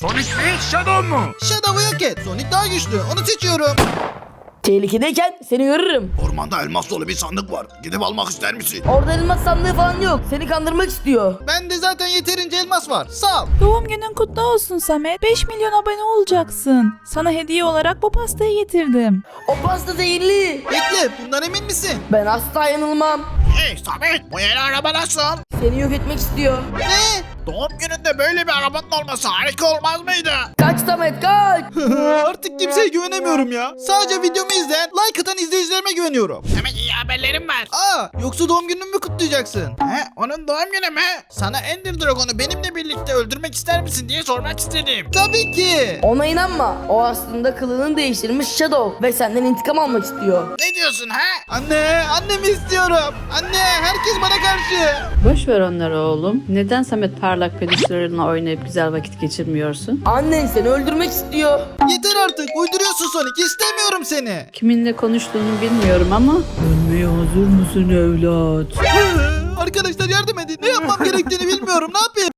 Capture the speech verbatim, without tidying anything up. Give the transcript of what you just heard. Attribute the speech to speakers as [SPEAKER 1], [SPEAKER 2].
[SPEAKER 1] Sonic mi? Shadow mu?
[SPEAKER 2] Shadow'u yok et. Sonic daha güçlü. Onu seçiyorum.
[SPEAKER 3] Tehlikedeyken seni görürüm.
[SPEAKER 1] Ormanda elmas dolu bir sandık var. Gidip almak ister misin?
[SPEAKER 3] Orada elmas sandığı falan yok. Seni kandırmak istiyor.
[SPEAKER 2] Bende zaten yeterince elmas var. Sağ ol.
[SPEAKER 4] Doğum günün kutlu olsun Samet. beş milyon abone olacaksın. Sana hediye olarak bu pastayı getirdim.
[SPEAKER 3] O pasta zehirli.
[SPEAKER 2] Bekle, bundan emin misin?
[SPEAKER 3] Ben asla yanılmam.
[SPEAKER 1] Hey Samet, bu yeni araba nasıl?
[SPEAKER 3] Seni yok etmek istiyor.
[SPEAKER 2] Ne?
[SPEAKER 1] Doğum gününde böyle bir arabanın olması harika olmaz mıydı?
[SPEAKER 3] Kaç Samet kaç.
[SPEAKER 2] Artık kimseye güvenemiyorum ya. Sadece videomu izleyen, like atan izleyicilerime güveniyorum.
[SPEAKER 1] Demek iyi haberlerim var.
[SPEAKER 2] Aa, yoksa doğum gününü mü kutlayacaksın?
[SPEAKER 1] He, onun doğum günü mü? Sana Ender Dragon'u benimle birlikte öldürmek ister misin diye sormak istedim.
[SPEAKER 2] Tabii ki.
[SPEAKER 3] Ona inanma. O aslında kılığını değiştirmiş Shadow. Ve senden intikam almak istiyor.
[SPEAKER 1] Ne diyorsun ha?
[SPEAKER 2] Anne, annemi istiyorum. Anne, herkes bana karşı.
[SPEAKER 5] Boş ver onları oğlum. Neden Samet parlak peluşlarınla oynayıp güzel vakit geçirmiyorsun?
[SPEAKER 3] Annen seni öldürmek istiyor.
[SPEAKER 2] Yeter artık, uyduruyorsun Sonic. İstemiyorum seni.
[SPEAKER 5] Kiminle konuştuğunu bilmiyorum ama... Ölmeye hazır mısın evlat?
[SPEAKER 2] Arkadaşlar yardım edin. Ne yapmam gerektiğini bilmiyorum. Ne yapayım?